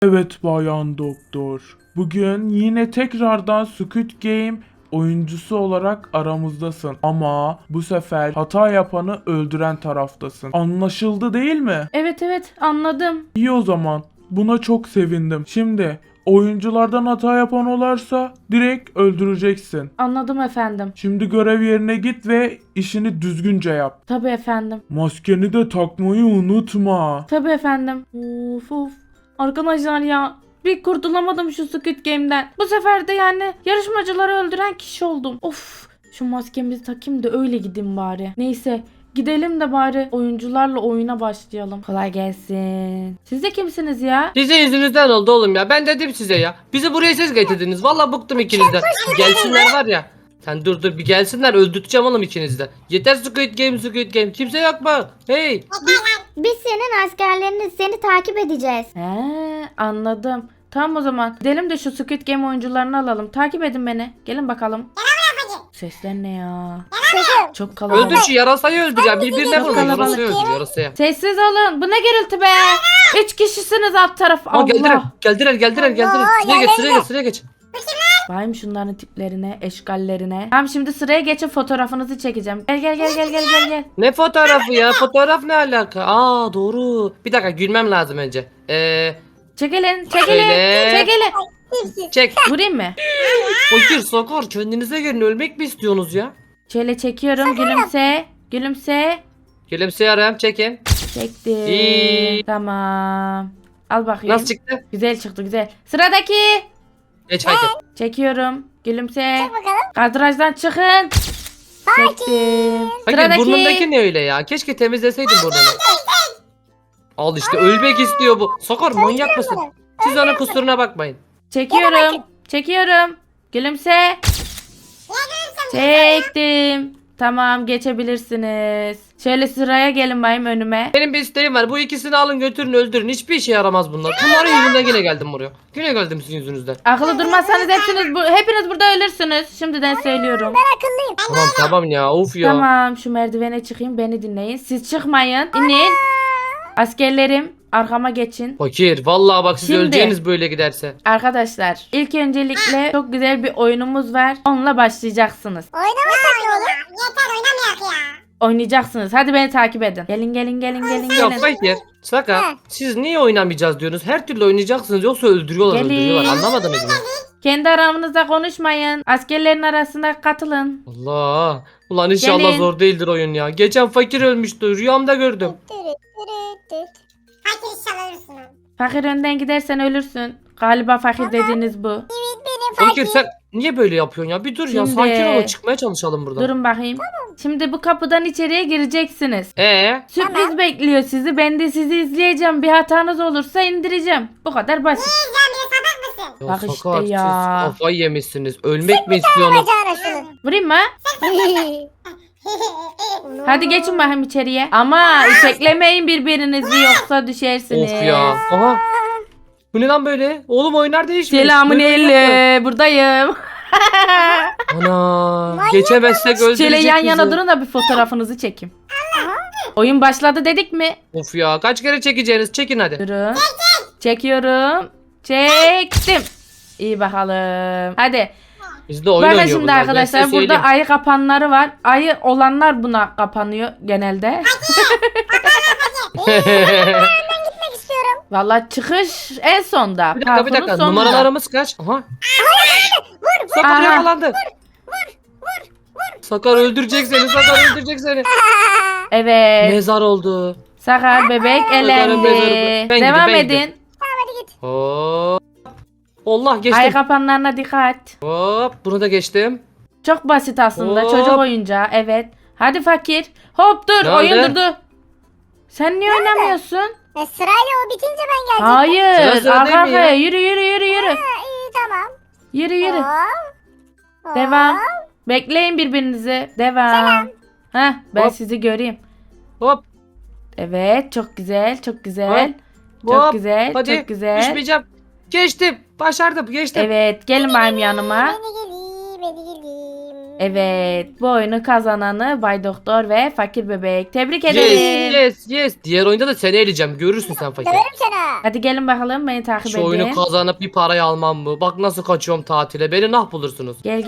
Evet Bayan Doktor. Bugün yine tekrardan Squid Game oyuncusu olarak aramızdasın. Ama bu sefer hata yapanı öldüren taraftasın. Anlaşıldı değil mi? Evet anladım. İyi o zaman. Buna çok sevindim. Şimdi oyunculardan hata yapan olarsa direkt öldüreceksin. Anladım efendim. Şimdi görev yerine git ve işini düzgünce yap. Tabii efendim. Maskeni de takmayı unutma. Tabii efendim. Of. Arkadaşlar ya. Bir kurtulamadım şu Squid Game'den. Bu sefer de yani yarışmacıları öldüren kişi oldum. Of. Şu maskemizi takayım da öyle gideyim bari. Neyse. Gidelim de bari oyuncularla oyuna başlayalım. Kolay gelsin. Siz de kimsiniz ya? Sizin yüzünüzden oldu oğlum ya. Ben dedim size ya. Bizi buraya siz getirdiniz. Vallahi bıktım ikinizden. Bir gelsinler var ya. Sen dur bir gelsinler, öldürteceğim oğlum ikinizden. Yeter Squid Game. Kimse yok mu? Hey. Biz senin askerleriniz, seni takip edeceğiz. Anladım. Tamam o zaman. Gidelim de şu Squid Game oyuncularını alalım. Takip edin beni. Gelin bakalım. Sesler ne ya? Çok kalabalık. Öldür şu yarasayı, öldür ya. Birbirine Çok vurun. kalabalık. Yarasayı öldür yarasaya. Sessiz olun. Bu ne gürültü be? 3 kişisiniz alt taraf. Aa, geldiler. Allah. Geldiler. Sıraya geç. Bayım şunların tiplerine, eşgallerine. Tamam şimdi sıraya geçin, fotoğrafınızı çekeceğim. Gel. Ne fotoğrafı ya? Fotoğraf ne alaka? Aa, doğru. Bir dakika, gülmem lazım önce. Çekilin. Şöyle. Çek. Vurayım mı? Fakir Sakar, kendinize gelin, ölmek mi istiyorsunuz ya? Şöyle çekiyorum. Gülümse. Gülümseyorum, çekin. Çektim. İyi. Tamam. Al bakayım. Nasıl çıktı? Güzel çıktı, güzel. Sıradaki. Geç hareket. Çekiyorum. Gülümse. Bakalım. Kadrajdan çıkın. Çektim. Fakir, burnundaki ne öyle ya? Keşke temizleseydin burnunu. Al işte, ölmek istiyor bu. Sakar, manyak mısın? Siz onun kusuruna bakmayın. Çekiyorum. Gülümse. Çektim. Tamam, geçebilirsiniz. Şöyle sıraya gelin bayım önüme. Benim bir isteğim var. Bu ikisini alın, götürün, öldürün. Hiçbir işe yaramaz bunlar. Bunların yüzünden yine geldim buraya. Yine geldim sizin yüzünüzden. Akıllı durmazsanız hepiniz burada ölürsünüz. Şimdiden söylüyorum. Tamam ya, of ya. Tamam, şu merdivene çıkayım, beni dinleyin. Siz çıkmayın. İnin. Askerlerim, arkama geçin. Fakir, vallahi bak siz Şimdi- öleceğiniz böyle giderse. Arkadaşlar, ilk öncelikle çok güzel bir oyunumuz var. Onunla başlayacaksınız. Oynamasak ne olur? Yeter oynamayak ya. Oynayacaksınız. Hadi beni takip edin. Gelin. Ya Fakir, Sakar, siz niye oynamayacağız diyorsunuz? Her türlü oynayacaksınız, yoksa Gelin. öldürüyorlar. Anlamadınız mı? Kendi aranızda konuşmayın. Askerlerin arasında katılın. Allah. Ulan inşallah Gelin. zor değildir oyun ya. Geçen Fakir ölmüştü. Rüyamda gördüm. Fakir inşallah ölürsün. Fakir önden gidersen ölürsün. Galiba fakir dediğiniz bu. Fakir, sen niye böyle yapıyorsun ya? Bir dur ya, Şimdi- sakin ol, çıkmaya çalışalım buradan. Durun bakayım. Şimdi bu kapıdan içeriye gireceksiniz. Sürpriz bekliyor sizi. Ben de sizi izleyeceğim. Bir hatanız olursa indireceğim. Bu kadar basit. Ya Bak işte Sakar, ya. siz kafayı yemişsiniz. Ölmek mi istiyorsunuz? Vurayım mı? Hadi geçin bakayım içeriye. Ama iteklemeyin birbirinizi, yoksa düşersiniz. Of ya. Aha. Bu ne lan böyle? Oğlum oyunlar değişmiş. Selamun Böyle oyun yok aleyküm. Buradayım. mu? Ana. Geçemezsek öldürecek Şöyle yan yana bizi. durun da bir fotoğrafınızı çekeyim. Oyun başladı dedik mi? Of ya, kaç kere çekeceğiniz? Çekin hadi. Durun. Çekiyorum. Çektim. İyi bakalım. Hadi. Bizde oyun Bakın oynuyor şimdi bunlar. Ben arkadaşlar, size burada söyleyeyim. ayı kapanları var. Ayı olanlar buna kapanıyor genelde. Vallahi çıkış en sonda. Bir Parkurun dakika. sonunda. Numaralarımız kaç? Aha. Sakar Aha. yakalandı. Sakar öldürecek seni. Evet. Mezar oldu. Sakar bebek Sakar'ın mezarı elendi. bu. Ben Devam gideyim, edin. Hop. Allah, Ayı geçtim. kapanlarına dikkat. Hop, bunu da geçtim. Çok basit aslında. Hop. Çocuk oyuncağı. Evet. Hadi fakir. Hop dur. Ne Oyun oldu? durdu. Sen niye oynamıyorsun? Sırayla o bitince ben geleceğim. Hayır. Sıra Arka değil mi ya? arkaya. Yürü. İyi tamam. Yürü. Hop. Devam. Bekleyin birbirinizi. Devam. Heh, ben Hop. sizi göreyim. Hop. Evet, çok güzel. Hop. Çok Hop. güzel. Hadi. Çok güzel. Düşmeyeceğim. Geçtim. Başardım. Geçtim. Evet, gelin benim yanıma. Beni geleyim. Evet, bu oyunu kazananı Bay Doktor ve Fakir Bebek. Tebrik Yes, ederim. yes. Diğer oyunda da seni eleyeceğim. Görürsün sen fakir. Döverim seni. Hadi gelin bakalım, beni takip Şu oyunu edin. kazanıp bir parayı almam mı? Bak nasıl kaçıyorum tatile. Beni nah bulursunuz. Gel.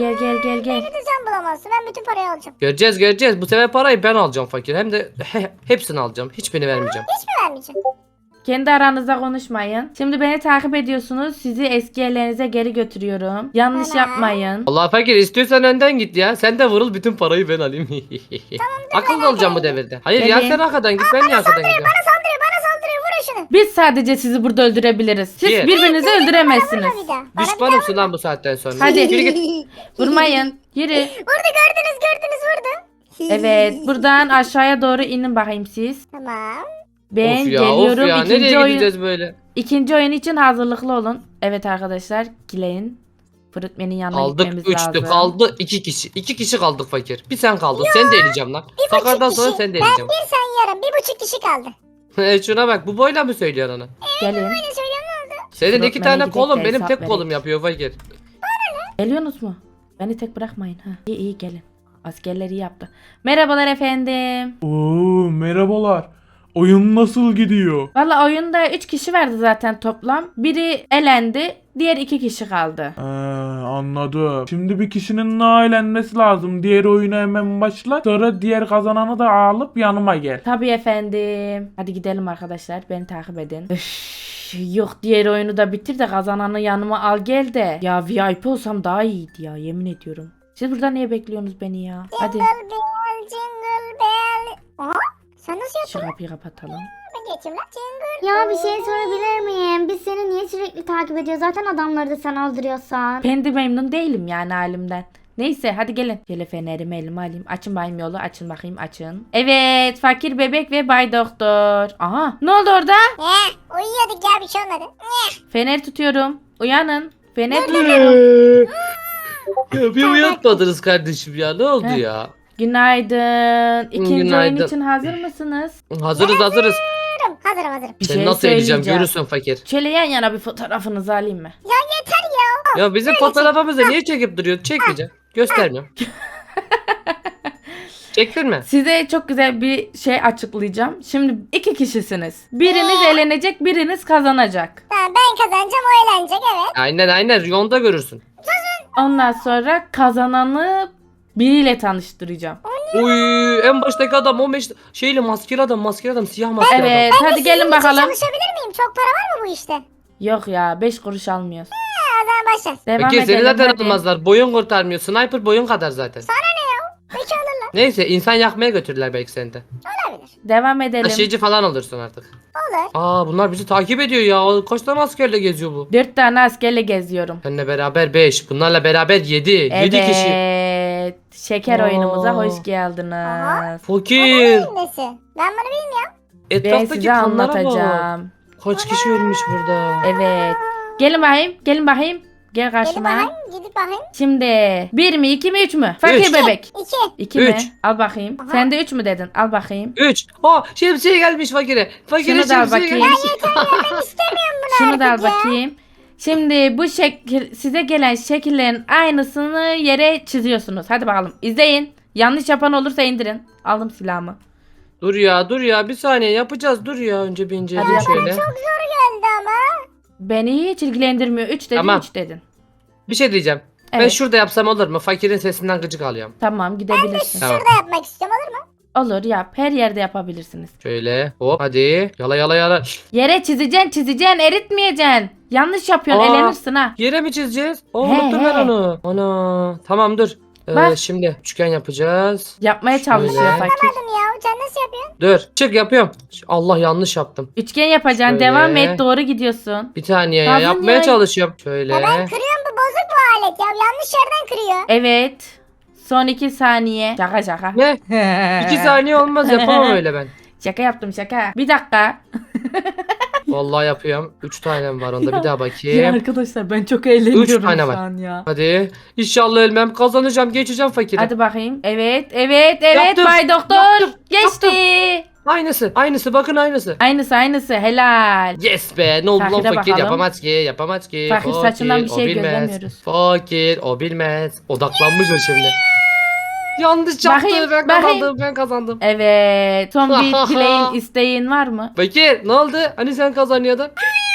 Sen bulamazsın. Ben bütün parayı alacağım. Göreceğiz. Bu sefer parayı ben alacağım fakir. Hem de hepsini alacağım. Hiçbirini vermeyeceğim. Hiç mi vermeyeceğim? Kendi aranızda konuşmayın. Şimdi beni takip ediyorsunuz. Sizi eski yerlerinize geri götürüyorum. Yanlış Tamam. yapmayın. Allah fakir istiyorsan önden git ya. Sen de vurul bütün parayı ben alayım. Akıllı olacağım bu devirde. Hayır ya Gelin. sen arkadan git ben niye arkadan gidiyorum? Bana saldırıyor. Vurun şunu. Biz sadece sizi burada öldürebiliriz. Siz Niye? birbirinizi öldüremezsiniz. Vurma bir daha. Bana Düşmanımsın lan bu saatten sonra. Hadi. Yürü git. Vurmayın. Yürü. Vurdu gördünüz vurdu. Evet, buradan aşağıya doğru inin bakayım siz. Tamam. Ben Of geliyorum. ya. İkinci Nereye oyun. gideceğiz böyle? İkinci oyun için hazırlıklı olun. Evet arkadaşlar, Gile'in Fruitman'in yanına Aldık gitmemiz 3'tü lazım. kaldı 2 kişi. 2 kişi kaldık fakir. Bir sen kaldın. Sen de eleyeceğim lan. Sakardan sonra kişi. sen de Ben eleyeceğim. bir sen yarım. 1,5 kişi kaldı. Şuna bak bu boyla mı söylüyorsun onu? Gelin. Ne söylüyorum ne oldu? Senin Frontman'a 2 tane gidip kolun de benim hesap tek verek. kolum yapıyor fakir. Geliyorsunuz mu? Beni tek bırakmayın. Ha. İyi gelin. Askerler iyi yaptı. Merhabalar efendim. Oo, merhabalar. Oyun nasıl gidiyor? Valla oyunda 3 kişi vardı zaten toplam. Biri elendi. Diğer 2 kişi kaldı. Anladım. Şimdi bir kişinin eğlenmesi lazım. Diğer oyunu hemen başla. Sonra diğer kazananı da alıp yanıma gel. Tabii efendim. Hadi gidelim arkadaşlar. Beni takip edin. Üff, yok diğer oyunu da bitir de kazananı yanıma al gel de. Ya VIP olsam daha iyiydi ya, yemin ediyorum. Siz burada niye bekliyorsunuz beni ya? Hadi Jingle bell, jingle bell. Aha, sen nasıl şu yaptın? kapıyı kapatalım. Ben geçeyim lan. Jingle. Ya bir şey sorabilir miyim? Biz seni niye sürekli takip ediyoruz? Zaten adamları da sen aldırıyorsan. Ben de memnun değilim yani halimden. Neyse hadi gelin. Şöyle fenerimi elime alayım. Açın bakayım yolu. Açın bakayım açın. Evet, Fakir Bebek ve Bay Doktor. Aha, ne oldu orada? Uyuyorduk ya bir şey olmadı. Fener tutuyorum. Uyanın. Fener tutuyorum. Ya bir uyatmadınız kardeşim ya ne oldu Heh. ya? Günaydın. İkinci oyun Günaydın. için hazır mısınız? Hazırız. Hazırım. Bir Seni şey nasıl eleyeceğim söyleyeceğim. görürsün fakir. Şöyle yan yana bir fotoğrafınızı alayım mı? Ya yeter ya. Ya bizim fotoğrafımızı niye çekip duruyorsun? Çekmeyeceğim. Göstermiyorum. Çektin mi? Size çok güzel bir şey açıklayacağım. Şimdi 2 kişisiniz. Biriniz elenecek, biriniz kazanacak. Tamam ben kazanacağım o eğlenecek evet. Aynen yolda görürsün. Ondan sonra kazananı biriyle tanıştıracağım. Uy en baştaki adam 15 şeyle maskeli adam siyah maskeli adam. Evet, hadi gelin bakalım. Çalışabilir miyim? Çok para var mı bu işte? Yok ya, 5 kuruş almıyoruz. O zaman başla. Devam Peki seni edelim zaten hadi. almazlar. Boyun kurtarmıyor. Sniper boyun kadar zaten. Peki alırlar. Neyse insan yakmaya götürdüler belki seni de. Olabilir. Devam edelim. Taşıyıcı falan olursun artık. Olur. Aa bunlar bizi takip ediyor ya. Kaç tane askerle geziyor bu? 4 tane askerle geziyorum. Seninle beraber 5. Bunlarla beraber 7. 7 kişi. Evet. Şeker Oo. oyunumuza hoş geldiniz. Fakir. Nesi? Ben bunu bilmiyorum. Ben Etraftaki size kanlara bak. anlatacağım. Kaç kişi ölmüş burada. Evet. Gelin bakayım. Gelin bakayım. Gel Gelin karşıma. bakayım. Gidip bakayım. Şimdi 1 mi 2 mi 3 mü? Fakir Üç. bebek. 2. 2 mi? Üç. Al bakayım. Aha. Sen de 3 mü dedin? Al bakayım. 3. Şemsiye gelmiş fakire. Fakire Şunu da al şemsiye bakayım. gelmiş. Şunu da al artık ya. bakayım. Şimdi bu şekil size gelen şekillerin aynısını yere çiziyorsunuz. Hadi bakalım. İzleyin. Yanlış yapan olursa indirin. Aldım silahımı. Dur ya bir saniye yapacağız dur ya önce bir inceleyelim Hadi yapalım. şöyle. Geldi ama. Beni hiç ilgilendirmiyor. 3 dedin, Tamam. 3 dedin. Bir şey diyeceğim. Ben Evet. şurada yapsam olur mu? Fakirin sesinden gıcık alıyorum. Tamam, gidebilirsin. Tamam. Şurada yapmak istiyorum olur mu? Olur, yap. Her yerde yapabilirsiniz. Şöyle hop hadi yala. Yere çizeceksin, eritmeyeceksin. Yanlış yapıyorsun, Aa. elenirsin ha. Yere mi çizeceğiz? Aa, He, unuttum ben he. onu. Ana tamam dur. Bak. Şimdi üçgen yapacağız. Yapmaya çalışıyor Şöyle. fakir. Anladım ya. Sen nasıl yapıyorsun? Dur çık yapıyorum. Allah yanlış yaptım. Üçgen yapacaksın, Şöyle. devam et, doğru gidiyorsun. Bir saniye ya Lazım yapmaya ya. çalışıyorum. Şöyle. Ya ben kırıyorum bu bozuk bu alet ya. Yanlış yerden kırıyor. Evet. Son 2 saniye. Şaka. Ne? 2 saniye olmaz yapamam öyle ben. Şaka yaptım şaka. Bir dakika. Vallahi yapıyorum. 3 tanem var onda bir daha Ya bakayım. arkadaşlar ben çok eğleniyorum Üç tane şu var. an ya. Hadi. İnşallah ölmem. Kazanacağım. Geçeceğim fakiri. Hadi bakayım. Evet. Yaptım, Bay Doktor. yaptım, Geçti. Aynısı. Bakın aynısı. Aynısı. Helal. Yes be. Ne oldu lan Fakire fakir? bakalım. Yapamaz ki. Fakir saçından bir o şey bilmez. gözlemiyoruz. Fakir o bilmez. Odaklanmış o şimdi. Yanlış yaptı. Bakayım, Ben bakayım. kazandım. Ben kazandım. Evet. Son bir dileğin, isteğin var mı? Fakir ne oldu? Hani sen kazanıyordun?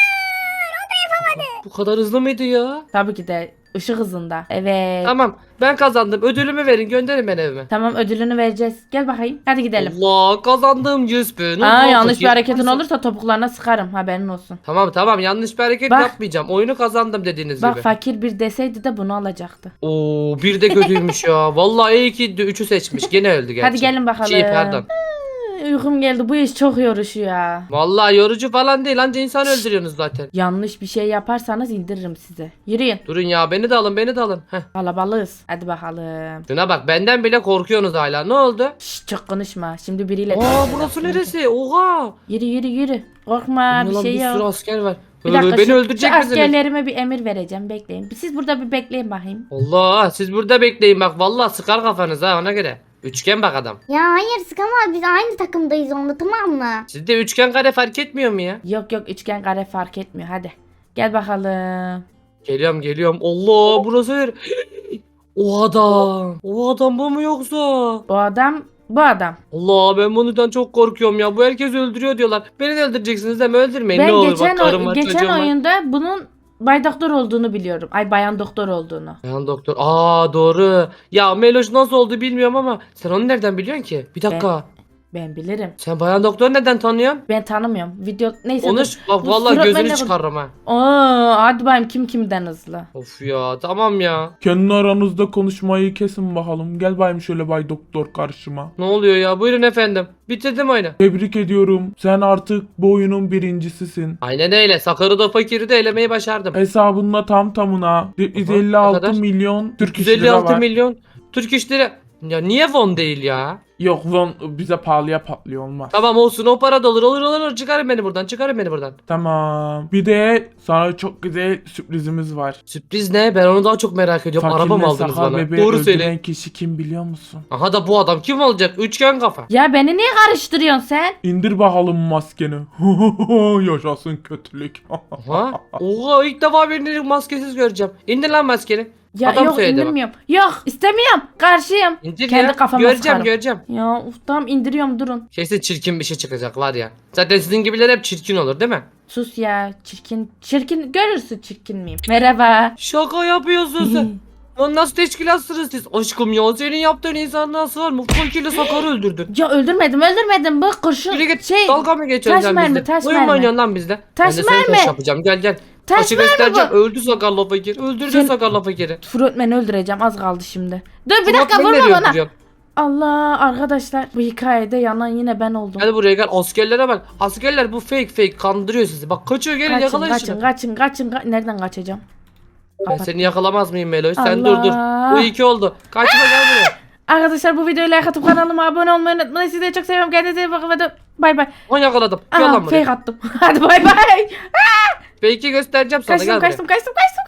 Bu kadar hızlı mıydı ya? Tabii ki de ışık hızında. Evet. Tamam ben kazandım. Ödülümü verin gönderin beni evime. Tamam, ödülünü vereceğiz. Gel bakayım. Hadi gidelim. Allah kazandım 100 bin. Aa, Allah, yanlış fakir. bir hareketin olursa topuklarına sıkarım. Haberin olsun. Tamam yanlış bir hareket Bak. yapmayacağım. Oyunu kazandım dediğiniz Bak, gibi. fakir bir deseydi de bunu alacaktı. Oo bir de kötüymüş ya. Vallahi iyi ki 3'ü seçmiş. Gene öldü gerçi. Hadi gelin bakalım. Pardon. Uykum geldi. Bu iş çok yorucu ya. Vallahi yorucu falan değil. Anca insan öldürüyorsunuz zaten. Yanlış bir şey yaparsanız indiririm sizi. Yürüyün. Durun ya beni de alın beni de alın. Heh. Kalabalığız. Hadi bakalım. Şuna bak benden bile korkuyorsunuz hala. Ne oldu? Şşş, çok konuşma. Şimdi biriyle... Aa burası neresi? Oha. Yürü. Korkma, Ne bir lan, şey bir sürü yok. asker var. Bir dakika, Beni şu öldürecek misiniz? askerlerime bir emir vereceğim. Bekleyin. Siz burada bir bekleyin bakayım. Allah siz burada bekleyin bak. Vallahi sıkar kafanız ha ona göre. Üçgen bak adam. Ya hayır sıkamaz, biz aynı takımdayız onunla, tamam mı? Sizde üçgen kare fark etmiyor mu ya? Yok, üçgen kare fark etmiyor. Hadi. Gel bakalım. Geliyorum. Allah burası yer. O adam. O adam bu mu yoksa? Bu adam bu adam. Allah ben bundan çok korkuyorum ya. Bu herkes öldürüyor diyorlar. Beni de öldüreceksiniz değil mi? Öldürmeyin ne Ben olur. Bak karım var geçen çocuğum var. oyunda bunun Bay Doktor olduğunu biliyorum. Ay, bayan doktor olduğunu. Bayan doktor. Aa doğru. Ya Meloş nasıl oldu bilmiyorum ama sen onu nereden biliyorsun ki? Bir dakika. Ben bilirim. Sen bayan doktor neden tanıyorsun? Ben tanımıyorum. Video neyse. Konuş. Bak dur, vallahi surat gözünü benimle çıkarırım ha. Hadi bakayım kim kimden hızlı. Of ya tamam ya. Kendi aranızda konuşmayı kesin bakalım. Gel bayım şöyle Bay Doktor karşıma. Ne oluyor ya? Buyurun efendim. Bitirdim oyunu. Tebrik ediyorum. Sen artık bu oyunun birincisisin. Aynen öyle. Sakarı da fakiri de elemeyi başardım. Hesabında tam tamına ne 156 kadar? milyon Türk iş lira 156 var. milyon Türk iş lira. Ya niye won değil ya? Yok lan bize pahalıya patlıyor olmaz. Tamam olsun o para da olur. Çıkarın beni buradan. Tamam. Bir de sana çok güzel sürprizimiz var. Sürpriz ne? Ben onu daha çok merak ediyorum. Araba mı Fakirle aldınız sakal bana? bebeği Doğru öldüren söyle. kişi kim biliyor musun? Aha da bu adam kim olacak? Üçgen kafa. Ya beni niye karıştırıyorsun sen? İndir bakalım maskeni. Yaşasın kötülük. Aha. Oha ilk defa birini maskesiz göreceğim. İndir lan maskeni. Ya Adam yok, söyledi bak. indirmiyorum. Yok, istemiyorum. Karşıyım. İndir Kendi ya. kafama Göreceğim. sıkarım. Ya tamam, indiriyorum, durun. Kesin çirkin bir şey çıkacak var ya. Zaten sizin gibiler hep çirkin olur değil mi? Sus ya, çirkin görürsün, çirkin miyim? Merhaba. Şaka yapıyorsun sen. Lan nasıl teşkilatsınız siz? Aşkım ya senin yaptığın insanlığa sığar mı? Fakirle Sakar'ı öldürdün. Ya öldürmedim, bu kurşun Yürü git. şey. Dalga mı geçiyorsun taş sen mermi, bizle? taş Oyun mu mermi. oynuyorsun lan bizle? Taş Ben de sana mermi. taş yapacağım gel. Taş Taşı mermi göstereceğim. bu. Öldü Sakar'la fakir. Öldürdü Sen- Sakar'la fakiri. Frontman'i öldüreceğim, az kaldı şimdi. Dur bir Murat, dakika, ben vurma nereye bana. öldüreceğim? Allah, arkadaşlar bu hikayede yanan yine ben oldum. Hadi buraya gel askerlere bak. Askerler bu fake kandırıyor sizi. Bak kaçıyor gelin yakalayın şunu. Kaçın. Nereden kaçacağım? Ben Kapat. seni yakalamaz mıyım Meloş? Sen Allah. dur. Bu iki oldu. Kaçma gel buraya. Arkadaşlar bu videoyu like atıp kanalıma abone olmayı unutmayın. Sizi de çok seviyorum. Kendinize iyi bakın. Bay bay. Onu yakaladım. Gel Aha, lan buraya. fake attım. Hadi bay bay. Fake'i göstereceğim sana gel buraya. Kaçtım.